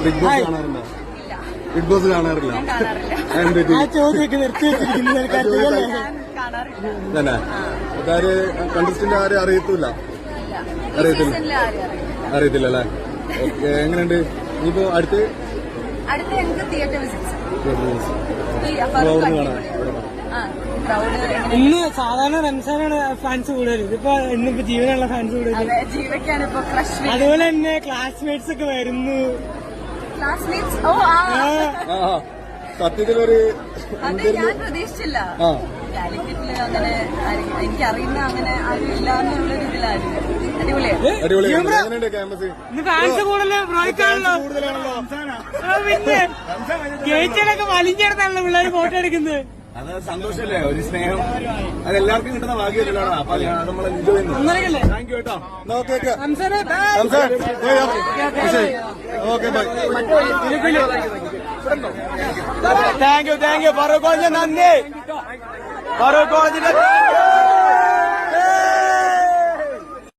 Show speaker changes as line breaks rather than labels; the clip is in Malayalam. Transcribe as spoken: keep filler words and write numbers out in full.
ബിഗ് ബോസ് കാണാറുണ്ടോ? ബിഗ് ബോസ് കാണാറില്ല. തന്നെ അതാര് കണ്ടസ്റ്റന്റ് ആരും അറിയത്തില്ല അറിയത്തില്ല അറിയത്തില്ല അല്ലേ? ഓക്കെ. എങ്ങനെയുണ്ട് ഇനിയിപ്പോ അടുത്ത്
ഇന്ന് സാധാരണ റംസാനാണ് ഫാൻസ് കൂടുതൽ, ഇതിപ്പോ ഇന്നിപ്പോ ജീവനുള്ള ഫാൻസ് കൂടുതൽ. അതുപോലെ തന്നെ ക്ലാസ്മേറ്റ്സ് ഒക്കെ വരുന്നു.
സത്യത്തിലൊരു
ഞാൻ പ്രതീക്ഷിച്ചില്ല. കാലിക്കറ്റില് അങ്ങനെ എനിക്കറിയുന്ന അങ്ങനെ ആരും ഇല്ല എന്നുള്ള ഇതിലായിരുന്നു.
അടിപൊളിയാണ്. ക്യാമ്പസ്
ഇന്ന് ഫാൻസ് കൂടുതൽ ബ്രോയ്ക്കാണല്ലോ. പിന്നെ ഗേറ്റിലൊക്കെ വലിഞ്ഞെടുത്താണല്ലോ പിള്ളേർ ഫോട്ടോ എടുക്കുന്നത്.
അത് സന്തോഷല്ലേ, ഒരു സ്നേഹം. അത് എല്ലാവർക്കും കിട്ടുന്ന ഭാഗ്യമല്ലോ. അപ്പൊ നമ്മൾ എൻജോയ് ചെയ്യുന്നു. താങ്ക് യു കേട്ടോ. Okay bye. Thank you thank you Farook കോളേജിന്റെ നന്ദി. ഫറൂഖ് കോളേജിന്റെ